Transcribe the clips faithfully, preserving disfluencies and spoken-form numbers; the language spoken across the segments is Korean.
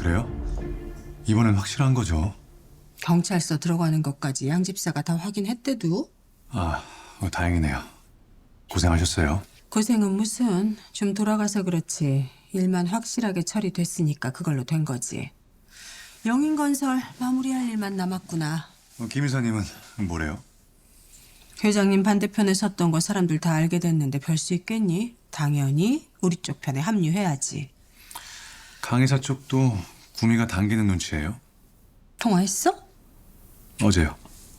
그래요? 이번엔 확실한 거죠? 경찰서 들어가는 것까지 양 집사가 다 확인했대도. 아, 어, 다행이네요. 고생하셨어요. 고생은 무슨, 좀 돌아가서 그렇지. 일만 확실하게 처리됐으니까 그걸로 된 거지. 영인건설 마무리할 일만 남았구나. 어, 김 이사님은 뭐래요? 회장님 반대편에 섰던 거 사람들 다 알게 됐는데 별 수 있겠니? 당연히 우리 쪽 편에 합류해야지. 강 이사 쪽도 구미가 당기는 눈치예요? 통화했어? 어제요.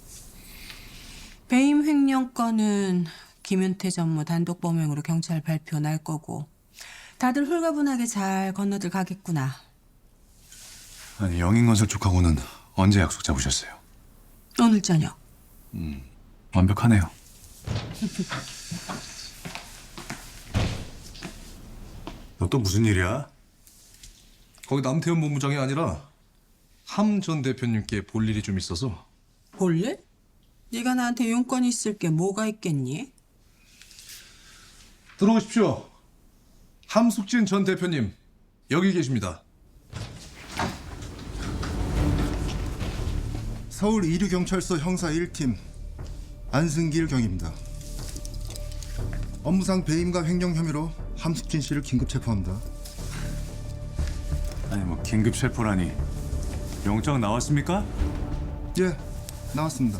배임 횡령 건은 김윤태 전무 단독 범행으로 경찰 발표 날 거고 다들 홀가분하게 잘 건너들 가겠구나. 아니, 영인건설 쪽하고는 언제 약속 잡으셨어요? 오늘 저녁. 완벽하네요. 너 또 무슨 일이야? 거기 남태현 본부장이 아니라 함 전 대표님께 볼 일이 좀 있어서. 볼래? 네가 나한테 용건 있을 게 뭐가 있겠니? 들어오십시오. 함숙진 전 대표님 여기 계십니다. 서울 이류경찰서 형사 일 팀 안승길 경입니다. 업무상 배임과 횡령 혐의로 함숙진 씨를 긴급 체포합니다. 아니, 뭐 긴급 체포라니. 영장 나왔습니까? 예, 나왔습니다.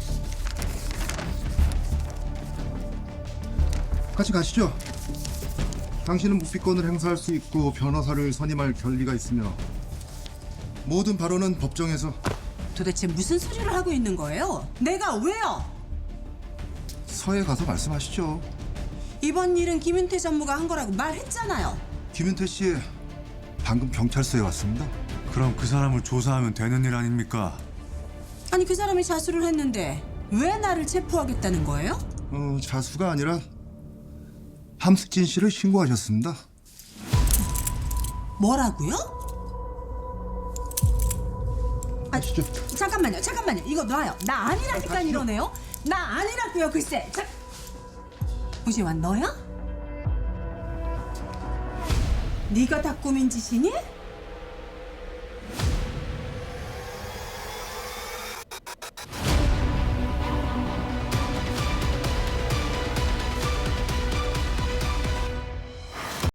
같이 가시죠. 당신은 묵비권을 행사할 수 있고 변호사를 선임할 권리가 있으며 모든 발언은 법정에서. 도대체 무슨 소리를 하고 있는 거예요? 내가 왜요? 서에 가서 말씀하시죠. 이번 일은 김윤태 전무가 한 거라고 말했잖아요. 김윤태 씨 방금 경찰서에 왔습니다. 그럼 그 사람을 조사하면 되는 일 아닙니까? 아니 그 사람이 자수를 했는데 왜 나를 체포하겠다는 거예요? 어, 자수가 아니라 함숙진 씨를 신고하셨습니다. 뭐라고요? 가시죠. 잠깐만요, 잠깐만요. 이거 놔요. 나 아니라니까 이러네요. 나 아니라고요, 글쎄. 자, 우지환 너야? 네가 다 꾸민 짓이니?